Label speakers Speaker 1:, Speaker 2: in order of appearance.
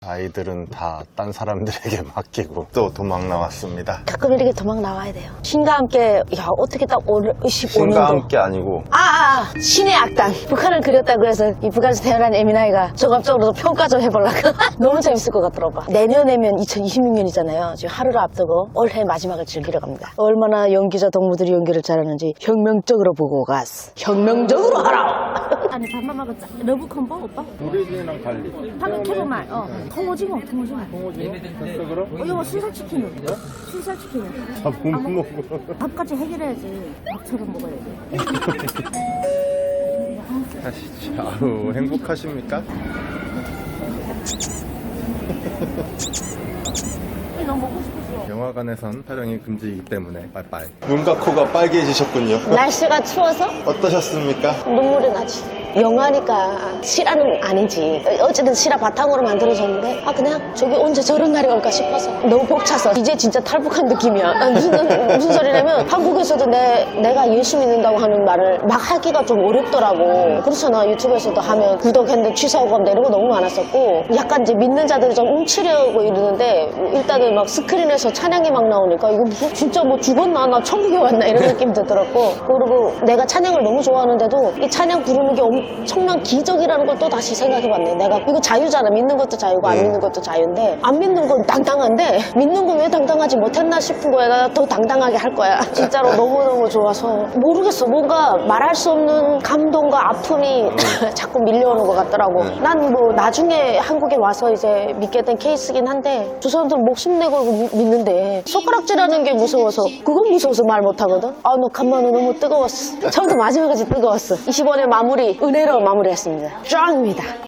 Speaker 1: 아이들은 다 딴 사람들에게 맡기고 또 도망 나왔습니다.
Speaker 2: 가끔 이렇게 도망 나와야 돼요. 신과 함께, 야, 어떻게 딱 오늘 15년도.
Speaker 1: 신과 함께 아니고
Speaker 2: 신의 악당. 북한을 그렸다 그래서 이 북한에서 태어난 에미나이가 종합적으로 평가 좀 해보려고. 너무 재밌을 것 같더라고. 내년이면 2026년이잖아요. 지금 하루를 앞두고 올해 마지막을 즐기러 갑니다. 얼마나 연기자 동무들이 연기를 잘하는지 혁명적으로 보고 갔어. 혁명적으로 하라!
Speaker 3: 아니 밥만 먹었자. 러브 콤보 오빠?
Speaker 1: 우리랑 달리
Speaker 3: 방금 캐보말. 통오징어.
Speaker 1: 홍오징어? 됐어 그럼?
Speaker 3: 이거 순살치킨은? 순살치킨은?
Speaker 1: 못 먹어.
Speaker 3: 밥까지 해결해야지. 밥처럼 먹어야지.
Speaker 1: 하시죠. 아우 행복하십니까?
Speaker 3: 너무 먹고 싶었어.
Speaker 1: 영화관에선 촬영이 금지이기 때문에 빠이빠이. 눈과 코가 빨개지셨군요.
Speaker 2: 날씨가 추워서
Speaker 1: 어떠셨습니까?
Speaker 2: 눈물이 나지. 영화니까 실화는 아니지. 어쨌든 실화 바탕으로 만들어졌는데 그냥 저기 언제 저런 날이 올까 싶어서 너무 벅차서 이제 진짜 탈북한 느낌이야. 무슨 소리냐면 한국에서도 내가 예수 믿는다고 하는 말을 막 하기가 좀 어렵더라고. 그렇잖아. 유튜브에서도 하면 구독했는데 취소하고 이런 거 너무 많았었고 약간 이제 믿는 자들이 좀 훔치려고 이러는데 일단은 막 스크린에서 찬양이 막 나오니까 이거 진짜 뭐 죽었나 나 천국에 왔나 이런 느낌 들었고 그리고 내가 찬양을 너무 좋아하는데도 이 찬양 부르는 게 엄청난 기적이라는 걸 또 다시 생각해봤네. 내가 이거 자유잖아. 믿는 것도 자유고 안 믿는 것도 자유인데 안 믿는 건 당당한데 믿는 건 왜 당당하지 못했나 싶은 거야. 나 더 당당하게 할 거야. 진짜로 너무너무 좋아서 모르겠어. 뭔가 말할 수 없는 감동과 아픔이 자꾸 밀려오는 것 같더라고. 난 뭐 나중에 한국에 와서 이제 믿게 된 케이스긴 한데 두 사람들 목숨 내고 믿는데 손가락질하는 게 무서워서 그건 무서워서 말 못하거든. 너 간만에 너무 뜨거웠어. 처음부터 마지막까지 뜨거웠어. 20원의 마무리 은혜로 마무리했습니다. 짱입니다.